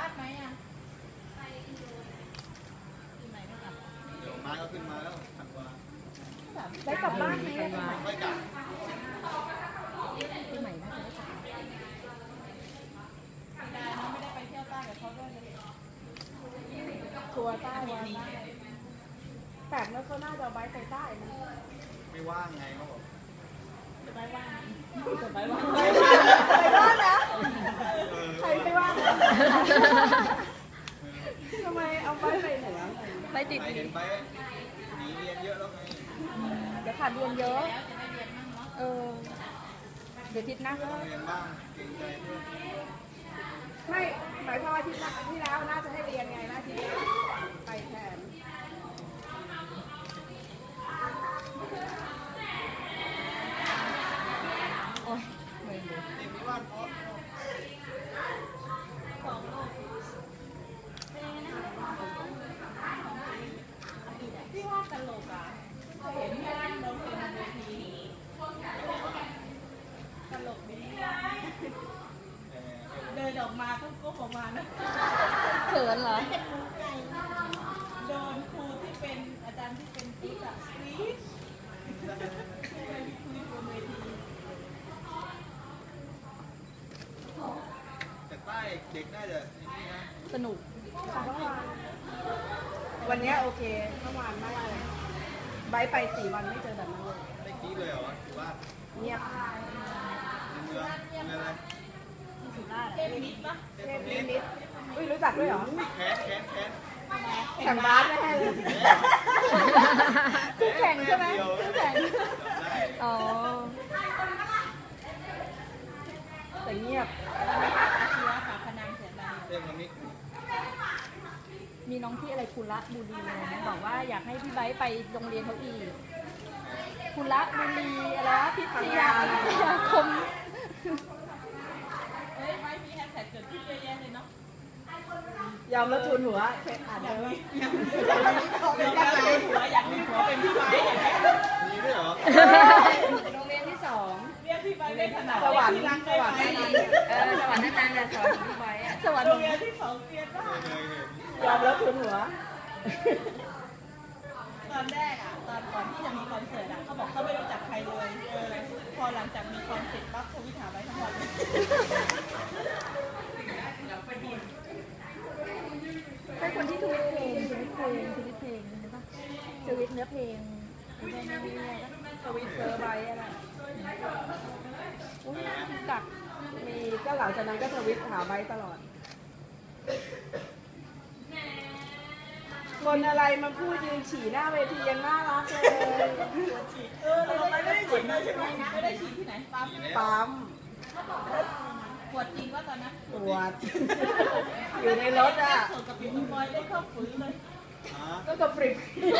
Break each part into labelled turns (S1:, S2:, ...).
S1: บ้านไหมอ่ะปีใหม่ไม่กลับ
S2: เดี๋ยวมาก็ขึ้นมาแล้วธันวา
S3: ได้กลับบ้านไหม
S2: ไม่กลับ
S3: ปีใหม่น่าจะได้กลับ
S1: ได้นะไม่ได้ไปเที่ยวใต้กับเขาด้วยเลย
S3: ทัวร์ใต้วันนี้แปลกนะเขาน่าจะเอาไว้ไปใต้นะ
S2: ไม่ว่างไงเขาบอก
S1: จะไปว่าง
S3: จะไปว่างไปว่างนะใครไปว่างทำไมเอาไปเหนือไปติด
S2: เห็นไปหนีเรียนเยอะแล้วไง
S3: เดี๋ยวขาดเรียนเยอะเดี๋ยวทิศหน้าก็
S2: เรียนบ้างเก่งใจเพื่อน
S3: ไม่หมายความว่าที่แล้วน่าจะให้เรียนไงนะทีนี้ไปแทนโอ้ยไม่รู้
S2: เด็กที่บ้านเพราะ
S1: พี่ว่าตลกอ่ะเห็นแม่เราเป็นเวทีตลกดีเดินออกมาก็ก้มออกมานะ
S3: เขินเหรอ
S1: โดนครูที่เป็นอาจารย์ที่เป็นติ๊กอะสวีทคุยบนเวที
S2: แต่ใต้เด็กน่าจะนี่นะ
S3: สนุกวันนี้โอเคเมื่อวานไม่เลยไบไป4 วันไม่เจอแบบนั้นเลย
S2: ไม่กี้เลยเหรอถือว่า
S3: เงียบ
S2: เมืองอะไร
S1: สุราษฎร์เทพนิดปะ
S3: เทพนิดอุ้ยรู้จักด้วยเหรอ
S2: แค้น
S3: แข่งบาสแน่เลยคู่แข่งใช่ไหมคู่แข่งอ๋อแต่เงียบ
S1: อาชีวะฝาพนังเสียงดัง
S2: เทพนิด
S3: มีน้องที่อะไรคุระบุรีนะบอกว่าอยากให้พี่ไบร์ทไปโรงเรียนเขาอีกคุระบุรีอะไรวะพิทยาคม
S1: ไม่มีแฮชแท็กเกิดขึ้นเยอะแยะเลยเนาะ
S3: ยอมแล้วทุนหัวอ่านเลยว่า
S1: อยากมีผัวอยากมีผัวเป็นพี่ไบร์ทอย่างเงี้ย
S2: มีด้วยเหรอ
S3: โรงเรียนที่2
S1: เรียกพี่ไบร์ทได้ขนาด
S3: สวรรค์
S1: สวรรค์
S3: สวรรค์อาจารย์จะสอนพี่ไบร์ทสวรรค์
S1: โรงเรียนที่2เรียนได้
S3: ยอมแล้วทุนหัว
S1: ตอนแรกอ่ะตอนก่อนที่จะมีคอนเสิร์ตอ่ะเขาบอกเขาไม่รู้จักใครเลยพอหลังจากมีคอนเสิร์ตปั๊บทวิตหาไว้ทั้งวัน
S3: เป็นคนที่ทวิตเพลงใช่ปะทวิตเนื้อเพลงทวิตเซอร์ไบอะไรอุ้ยน่าคิดกักมีก็หลังจากนั้นก็ทวิตหาไบตลอดคนอะไรมาพูดยืนฉี่หน้าเวทียังน่ารักเลย
S1: เราไม่ได้ฉีดเลยใช่ไหมไม่ได้ฉีดที่ไหน
S3: ปั๊ม
S1: ปวดจริงว่าตอนนั้น
S3: ปวดอยู่ในรถอ่ะ
S1: ส่งกับพี่บอยได้เข้าฝืนเลย
S3: ก็กระปริบ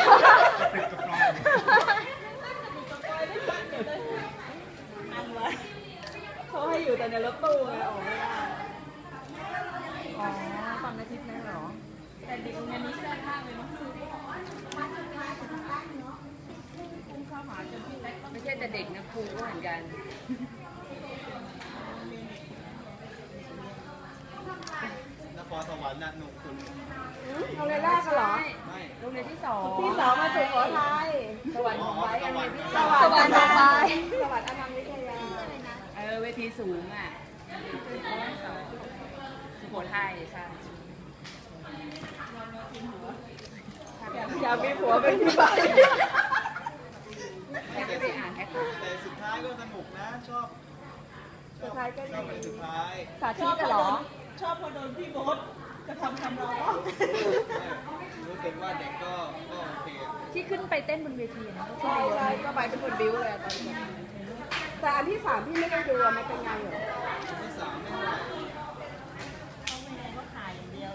S3: เขาให้อยู่แต่ในรถตู้ไงออกไม่ได้อ๋อตอนอาทิตย์นั้นเหรอ
S1: แต่เด็กงานนี้แซ่บมากเลยเนาะพุ่งเข้าหาจนพี่เล็ก
S3: ไม่ใช่แต่เด็กนะครูก็เหมือนกัน
S2: นครสวรรค์น่ะหนุ่มคุณ
S3: โรงเรียนแรกกันเหรอ
S2: ไม่
S3: โรงเรียนที่2มาสุโขทัยสวรรค์ของไว้โรงเรียนที่สวรรค์ของไว้สวรรค์อนันต์วิทยาเวทีสูงอ่ะสุโขทัยใช่อยากมีผัวเป็นพี่ไบร์ท
S2: แต่สุดท้ายก็สนุกนะชอบ
S3: สุดท้ายก็
S2: ชอบเป็นสุดท้าย
S3: สาธิตเหรอ
S1: ชอบพอโดนพี่โบ๊ทจะทำเรา
S2: รู้สึกว่าเด็กก็โอเค
S3: ที่ขึ้นไปเต้นบนเวทีนะใช่ก็ไปเป็นคนบิ้วเลยตอนนี้แต่อันที่3พี่ไม่ได้ดูมันเป็นไงเหรอ
S2: ที่3ไม่เท่าไหร่